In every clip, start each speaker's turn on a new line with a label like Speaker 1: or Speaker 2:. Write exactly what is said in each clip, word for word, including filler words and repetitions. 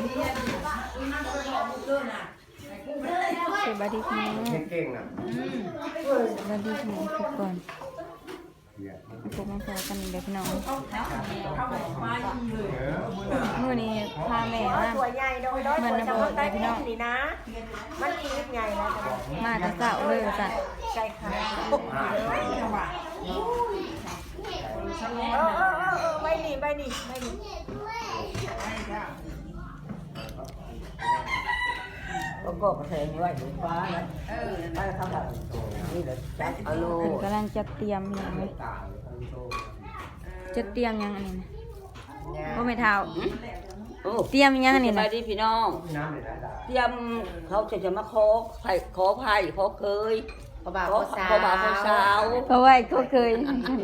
Speaker 1: สวัสดีคุณ
Speaker 2: เก่งนะ
Speaker 1: สวัสดีคุณทุกคนพวกมันพอกันเด็กน้องเมื่อนี้พาแม่มา
Speaker 3: ตัวใหญ่โดยโดยตัวจะมาใต้พี่น้องนี่นะมันชีวิตใหญ่แล้ว
Speaker 1: มาแต่เช้าเลยจ้ะ
Speaker 3: ใช่ค่ะเออเออเออไม่หนีไม่หนีไม่หนี
Speaker 4: ก็ก็กระเทงไว้ถึงฟ้านะเออไม่ทำแบบนี่เลยจับอโล
Speaker 1: เพิ่นกำลังจะเตรียมยังไงจะเตรียมยังอันนี้นะบ่แม่เฒ่าเตรียมยังอันนี้
Speaker 4: ส
Speaker 1: นะ
Speaker 4: บายดีพี่น้องเตรียมเขาจะจะมาขอไผ่ขอไผ่ขอเคยขอบ่าวขอสาวขอบ่าวขอสาว
Speaker 1: เพราะว่าเขาเคย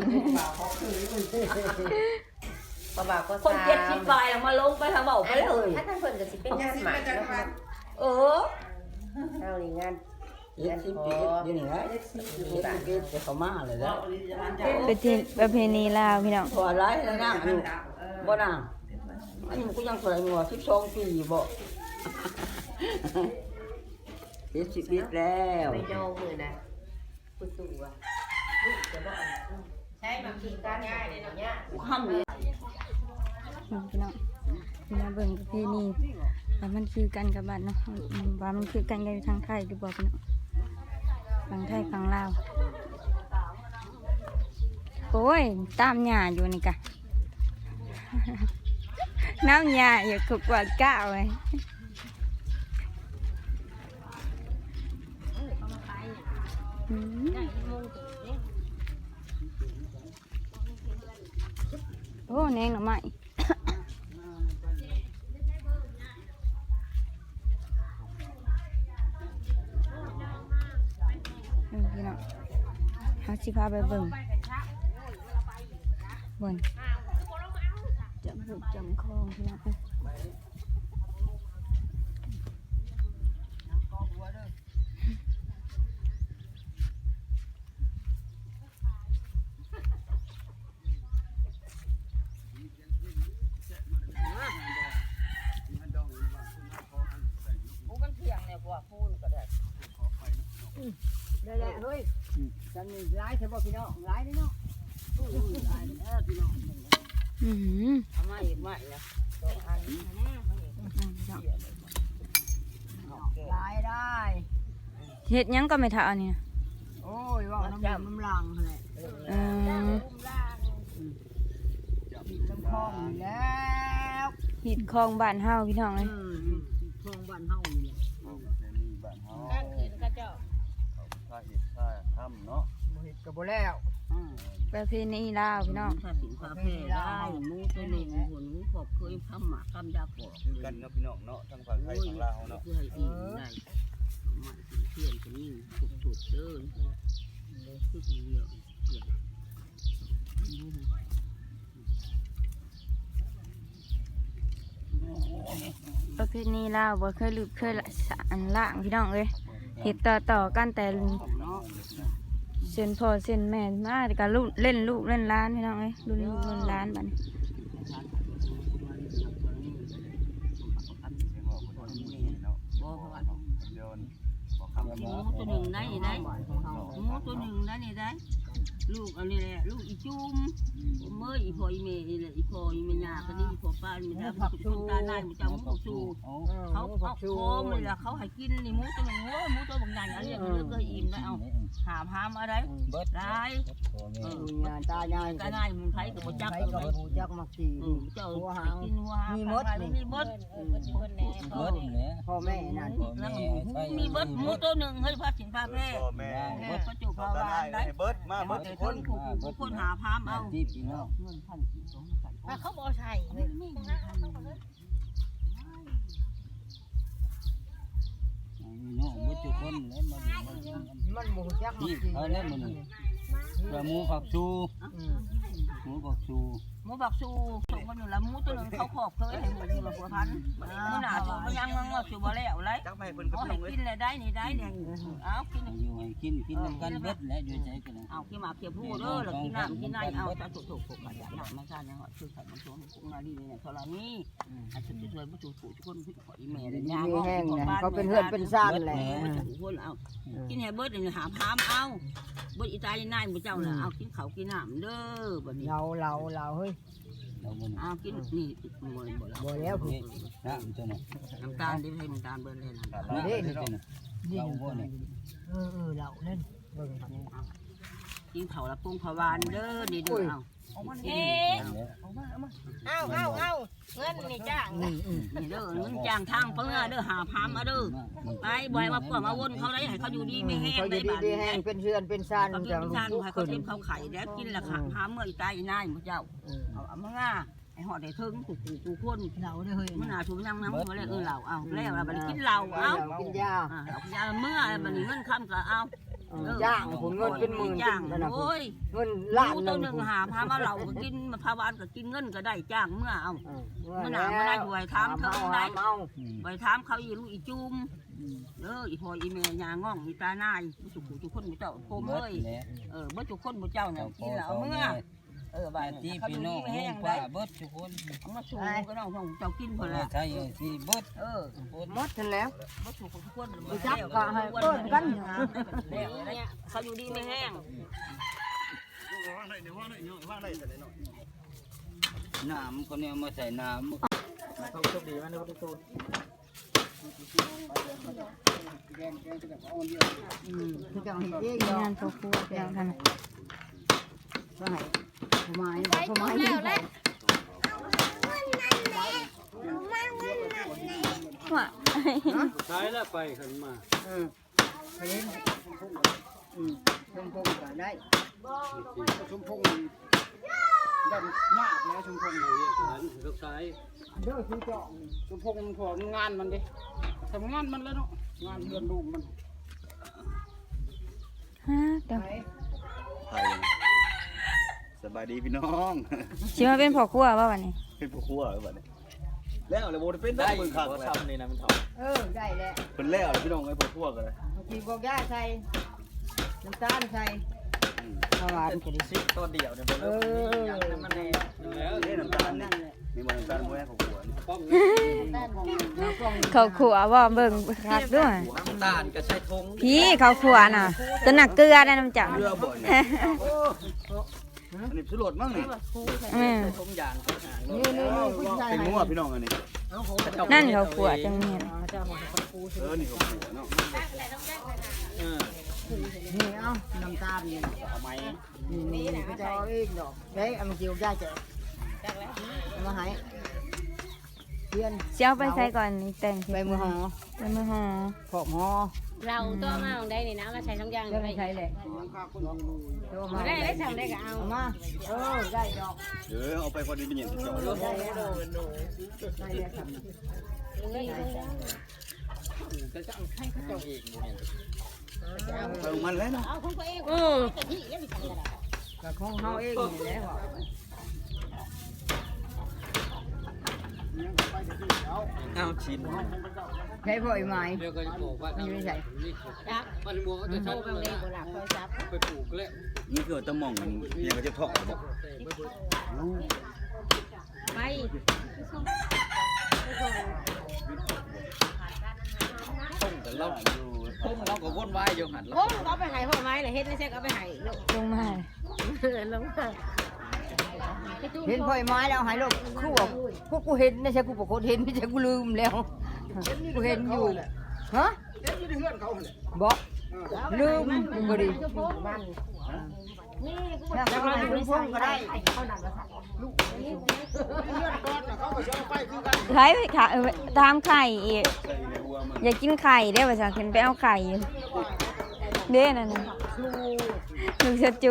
Speaker 3: ปะบ่าวก็
Speaker 4: คนเจ็ดสิบปลายมาลงไปทางเบาไปเลย
Speaker 3: ถ้าท่านเพิ่นก็สิเป็นงานหมายแล้ว
Speaker 4: เออ
Speaker 3: เอานี่งาน
Speaker 4: เจ็ดสิบปีอยู่นี่ไงเจ็ดสิบปีจะเข้ามาเลยแล้ว
Speaker 1: เป็นที่ประเพณีลาวพี่น้อง
Speaker 4: พอไรแล้วนั่งอยู่บ่นั่งอันนี้กูยังสวยงัวสิบสองปีบ่เจ็ดสิบปีแล้ว
Speaker 3: ไปดองมือนะคุณตู่อ่ะใช่บางทีการง่ายเลยเนาะเนี่ย
Speaker 4: ห้ามเลย
Speaker 1: พี่น้องมาเบิ่งประเพณีว่ามันคือกันกับบ้านเนาะว่ามันคือกันกับทางไทยหรือบ่พี่น้องฝั่งไทยฝั่งลาวโอ้ยตามหญ้าอยู่นี่กะ น้ำหญ้าอยู่ขกวาดก้าวไว้อืมโอ้แนงหน่อไม้พี่น้องหาสิพาไปเบิ่งเบิ่งจำบุกจำคลองพี่น้อง
Speaker 4: ได้แหละเฮ้ยจันนี่ร้ายใช่ป่ะพี่น้องร้ายนี่เนาะร้ายเออพี่น้อง
Speaker 1: อือ
Speaker 4: ทำไมอีกไม่นะสองอันร้ายได้
Speaker 1: เฮ็ดหยังก็ไม่เท่าอันนี้
Speaker 4: โอ้ยว่าน้ำน้ำลังเลย
Speaker 1: เออ
Speaker 4: มีน้ำคลองแล้ว
Speaker 1: หิดคลองบ้านเฮาพี่น้องเอ้ย
Speaker 4: คลองบ้านเฮานี่แหละ
Speaker 3: ข้างคืนก็เจ้า
Speaker 2: ถ้าเห็ดถ้าทำเนาะ
Speaker 4: บ่เฮ็ดก็บ่แล้ว
Speaker 1: ประเพณีลาวพี่น้อง
Speaker 4: ถ้าสินค้าแพร่ได้มูตัวหนึ่งหัวหนูขอบเคยทำหมากคำยาปอก
Speaker 2: คือกันเนาะพี่น้องเนาะทั้งฝั่งไทยฝั่งลาวเนาะ
Speaker 4: เพื่อให้อิ่มได้มันเพื่อนคนนี้ถูกๆเด้อคือเดียวเพื่อน
Speaker 1: ประเพณีลาวบ่เคยลืมเคยละสานล่างพี่น้องเอ้ยเฮ็ดต่อต่อกันแต่เส้นพ่อเส้นแม่มาแต่ก็ลูกเล่นลูกเล่นหล้านพี่น้องเอ้ยรุ่นลูกรุ่นหล้านบัดนี้
Speaker 4: บ่เพราะว่า
Speaker 2: เดี๋ยว
Speaker 4: หมูตัวหนึ่งได้ได้หมูตัวหนึ่งได้นี่ได้ลูกอันนี้แหละลูกอีจุ่มเมื่ออีพออีเมย์เลยอีพออีเมย์ยาก็นี่อีพอป้าอีเมย์ได้ผักชูตาหน้ามันจะหมูผักชูเขาเขาโค้งเลยละเขาให้กินนี่หมูตัวหนึ่งโอ้หมูตัวบางอย่างอันนี้เลือกก็อิ่มได้เอาหามหามอะไรได้ตาใหญ่ตาใหญ่มันไทยกับจักกับจักมักสีเจ้ากินหัวหางมีมดมีมดพ่อแม่นั่นมีมดหมูตัวหนึ่งเฮ้ยพระสินพระแพร่
Speaker 2: พ่อแม่
Speaker 4: พระจุพระวานได้
Speaker 2: เบิดมาเบิดทุกคน
Speaker 4: ทุกคนหาพามเอาที่พี่น้องเงินพันกี่สองพัน
Speaker 3: เขาบ่ใช่
Speaker 5: น้องบุตรคนแล้วมามันหมูจักที่เขาเล่นมันกระมูผักชูหมูผักชู
Speaker 4: หมูบักซูส่งกันอยู่แล้วหมูตัวนึงเขาขอบเคยให้หมูอยู่ละหัวพันมื้อหน้าจูบ่ยังงอจูบ่แล้วไร
Speaker 2: จักไปเพิ่นกับ
Speaker 4: เอา
Speaker 2: พี่
Speaker 4: ให้
Speaker 2: น้องเลย
Speaker 4: กินเลยได้นี่ได้เนี่ยเอากิน
Speaker 5: อยู่ให้กินกินน้ำกันเบ็ดและอยู่ใจกัน
Speaker 4: เอาขี้หมาเขียวผู้เด้อแล้วกินน้ำกินไหนเอาจะถูกถูกถูกกันอย่างน้ำไม่ใช่เนี่ยคือใส่มันช่วงกุ้งนาลีเนี่ยธรณีอาจจะช่วยผู้ถูกถูกทุกคนผู้ขออีเมลเลยยาแห้งเนี่ยเขาเป็นเพื่อนเป็นซ่านแหละคนเอากินให้เบิร์ดเนี่ยหาพามเอาเบิร์ดอีตาลีนายมือเจ้าน่ะเอากินเขากินน้ำเด้อบัดนี้
Speaker 3: เราเราเราเฮ้ย
Speaker 5: เราบน
Speaker 4: เอากินนี่มวยบ่ละ
Speaker 3: บ่แล้วคือ
Speaker 5: น้ำตัวน่ะ
Speaker 4: น้ำตาลได้ให้น้ำตาลเบิร์ดเลยนะ
Speaker 5: นี่นี่ตัวน่ะเราบ่เนี่ย
Speaker 3: เออเออเราเล่นเบิ่ง
Speaker 4: กินเขาละปุ้งผวานเด้อนี่เด้อเอา
Speaker 3: เอ๊ะเอาเอาเอาเงินนี่จ้างนี่
Speaker 4: นี่เด้อเงินจ้างทางเพื่อเด้อหาพามมาเด้อไปบ่อยมาพวกมาวนเขาได้ให้เขาอยู่ดีไม่แห้ง
Speaker 3: เขาอ
Speaker 4: ได้
Speaker 3: ยู่ดี
Speaker 4: บาด
Speaker 3: ดี
Speaker 4: นี้
Speaker 3: แห้งเป็นเชือนเป็นซ่าน
Speaker 4: เขากิ
Speaker 3: จัง
Speaker 4: น
Speaker 3: ลู
Speaker 4: ชาก ติ
Speaker 3: ทุก
Speaker 4: ให้
Speaker 3: ค
Speaker 4: เขา
Speaker 3: น
Speaker 4: เทมเขาไข่แล้วกินละค่ะหาเมื่ออีตายอีนายมือเจ้าเอาเอามาง่าไอ้หอดได้ถึงกูกูกูคน
Speaker 3: เราได้เฮ้ย
Speaker 4: มันหนาถูกยังน้ำมาแล้วเออเราเอาแล้วเราบัดกินเราเอา
Speaker 3: กินยา
Speaker 4: เอายาเมื่อบัดนี้เงินคำก็เอา
Speaker 3: จ้างผมเงินเป็นหมื่น
Speaker 4: จ้างโอ้ย
Speaker 3: เงินล้าน
Speaker 4: กู
Speaker 3: ห
Speaker 4: ตัว
Speaker 3: นึ่ง
Speaker 4: หนึ่งหาพามาเราก็กินมาพาวานก็กินเงินก็ได้จ้างเมื่อเอามันหนามาได้ด้วยถามเขาได้
Speaker 3: เอา
Speaker 4: ไปถามเขาอีลูกอีจุ่มเด้ออีพ่ออีแม่ยาง่องอีตานายทุกผู้ทุกคนมุเจ้าโคมเอ้ยเออเมื่อทุกคนมุเจ้าเนี่ยกินแล้วเอาเมื่อเออบ้าน
Speaker 5: ที่
Speaker 4: เขา
Speaker 5: พี่
Speaker 4: อยู่
Speaker 5: น้อ
Speaker 4: ดี
Speaker 5: ง
Speaker 4: ไม่
Speaker 5: ลุ
Speaker 4: แห้
Speaker 5: ง
Speaker 4: ง
Speaker 5: ป้า
Speaker 4: ได้
Speaker 5: เบิดทุกคน
Speaker 4: เอามาชูก็น้องของเจ้ากินพอละ
Speaker 5: ใช่ที่เบิด
Speaker 4: เออ
Speaker 3: หมดทันแล้ว
Speaker 4: มาชูทุกคน
Speaker 3: จับก็ให้เปิ้นกัน
Speaker 4: เขาอยู่ดีไม่แห้ง
Speaker 5: น้ำคนนี้มาใส่น้ำ
Speaker 3: เขาโชคดีมากในวันตูนอืมคือจังเห็นเอง
Speaker 1: มี
Speaker 3: เนาะ
Speaker 1: งานพ่อครัวเพียงเท่านั้น
Speaker 3: ว่าให้ทำไมทำไมแล้วแหละ
Speaker 1: ว่า
Speaker 5: ใช้แล้วไปขึ้นมา
Speaker 3: อืมไปเล่นอืมชมพงก็ได้
Speaker 5: ชมพงดันยากแล้วชมพงเลยหันลูกชาย
Speaker 3: เด้อคือเจาะ
Speaker 5: ชมพงพองานมันดิทำงานมันแล้วเนาะงานเดือนลูกมัน
Speaker 1: ฮะเดี๋ยว
Speaker 2: ไทยสบายดีพี่น้อง
Speaker 1: สิมาเป็นพ่อครัวว่าวันนี้
Speaker 2: เป็นผู้ครัวบัดนี้แล้วเลยบ่ได้เป็นได้เบิ่งคักเลย
Speaker 5: นี่นะมันถอด
Speaker 3: เออได้แล้ว
Speaker 2: เพิ่นแล้วเลยพี่น้องไอ้ผู้ครัวก็เลย
Speaker 3: บางทีบอกย่าใส่น้ำตาลใส่ข้าวหวานก็ได้
Speaker 5: ซิตัวเดียวเนี่ย
Speaker 3: เออ
Speaker 5: มันแน่แล้ว
Speaker 2: นี่น้ำตาลนี่มีบ่น้ำตาลบ่แม่ของครัวนี่
Speaker 5: ป้อม
Speaker 1: เขาขัวว่าเบิ่งคักด้วย
Speaker 5: น้ำตาลก็ใช้ทง
Speaker 1: พี่เขาขัวน่ะตัวหนักเกลือได้น้ำจัง
Speaker 2: เรือบ่เนี่ยอันนี้สุรสมั้งนี่
Speaker 1: อืม
Speaker 5: ทงยาง
Speaker 3: นี่นี่นี่ผู้ชาย
Speaker 2: เป็นงัวพี่น้องอันนี้
Speaker 1: นั่นเขาขัวจังเนี่ย
Speaker 2: เออนี่เขาขัวเนาะ
Speaker 3: นี่เอาน้ำตาลนี่
Speaker 5: ทำไม
Speaker 3: นี่นี่นี่ก็จะเอาเองดอกเฮ้ยเอามาเกี่ยวย่าเจ๊เอามาให้เพื่อน
Speaker 1: สิเอาไปใส่ก่อนนี่แต่ง
Speaker 3: ใบมือหอ
Speaker 1: ไปมือหอ
Speaker 3: ขอบหอ
Speaker 6: เราตัวมาของได้นี่นะมาใช้ทั้งอย่าง
Speaker 3: จะ
Speaker 6: เล
Speaker 3: ไม่
Speaker 6: ย
Speaker 3: ใช่เลยตัวมา
Speaker 6: ได้ได้สั่งได้ก็เอา
Speaker 3: เอามาเออได้ดอก
Speaker 2: เออเอาไปพอดีเป็นหยังสิเจ้า
Speaker 3: ได้แล้วได้แล้วครับ
Speaker 5: ก็จะเอาให้เขาเจ้าเองเนี่ย
Speaker 2: เอามันแล้วเนาะ
Speaker 6: เอาของตัวเอง
Speaker 3: อืม
Speaker 6: แต่ที่ยังไม่สั่งอะไร
Speaker 3: กับของเฮาเองนี่แหละ
Speaker 5: เอาชิ้น
Speaker 3: ใช้พ่อยไม้
Speaker 5: เดี๋ยวก็จะบอกว่า
Speaker 3: ไม่ใช่
Speaker 6: จับ
Speaker 5: มันมัวก็
Speaker 6: โท
Speaker 5: จะ
Speaker 6: รไปเลยบ่หลับโทรศัพท์
Speaker 5: ไปปลูกแล้ว
Speaker 2: นี่คือตะหม่องมันเพียงก็จะทอกบอก
Speaker 6: ไป
Speaker 5: แต่เราพุ่งเราก็วนวายอยู่หัน
Speaker 6: โอ้เอาไปให้พ่อไม้เลยเฮ็ดไม่ใช่เอาไปให้ลูก
Speaker 1: ลงมา
Speaker 6: ลงมา
Speaker 3: เห็นพ่อยไม้แล้วหายโลกคู่พวกกูเห็นไม่ใช่กูปกติเห็นไม่ใช่กูลืมแล้วกูเห็นอยู่ฮะบอกลืมก็ดีถ้าเขาไปคุณพงก็ได้
Speaker 1: ไข่ค่ะเออตามไข่อีก
Speaker 2: ใส่ในหัวมัน
Speaker 1: อยากกินไข่ได้ป่ะจ๊ะขึ้นไปเอาไข่อยู่เด้นั่นน่ะลูกเสจู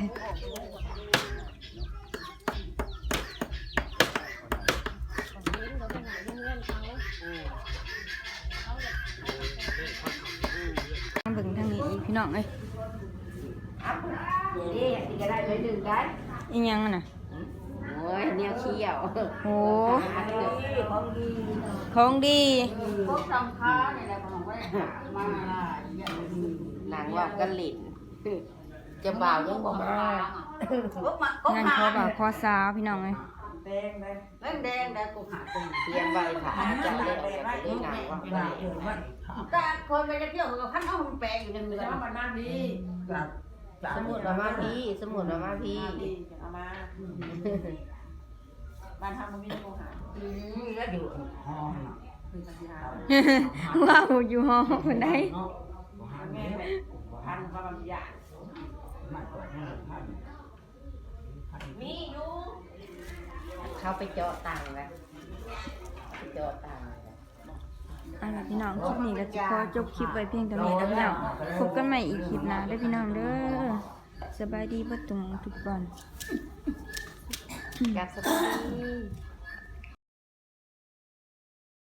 Speaker 1: เบิ่งทางนี้อีกพี่น้องเอ้ยอีหยังอะน่ะ
Speaker 6: โอ้ยแนวเขี้ยว
Speaker 1: โอ้
Speaker 3: ของดี
Speaker 1: ของดี
Speaker 3: พวกสำคัญนี่แหละของว่ามา
Speaker 6: หนังว่ากันหลินจะบ่าวยังบ่มา
Speaker 3: พวกมาก็
Speaker 1: งาน
Speaker 3: หา
Speaker 1: ขอบ่าวขอสาวพี่น้องเอ้ย
Speaker 3: แดงแดงแดงแดงแดงกูหาตรง
Speaker 6: เตรียมไว้ค่ะจะได้ออกจากได้หนังว่ากันหลิน
Speaker 3: แต่คนไปเที่ยวกับพันเอามันแปลงอยู่ในมือแล้วมันนั่นดี
Speaker 6: สมุดมามาพี่สมุดมามาพี่
Speaker 3: เอามาบ้านทำมันมีโมหะอืมแล้วอยู่ห้องน่ะ
Speaker 1: ว้าวอยู่หอคนใด
Speaker 3: พันก็มันยากมีอยู่
Speaker 6: เข้าไปเจาะตังค์แล้วไปเจาะตังค์
Speaker 1: เอาล่ะพี่น้องคลิปนี้ก็จะขอจบคลิปไว้เพียงเท่านี้นะพี่น้องพบกันใหม่อีกคลิปหน้าเด้อพี่น้องเด้อสบายดีเบ่ตุงทุกคน
Speaker 6: อยากสบาย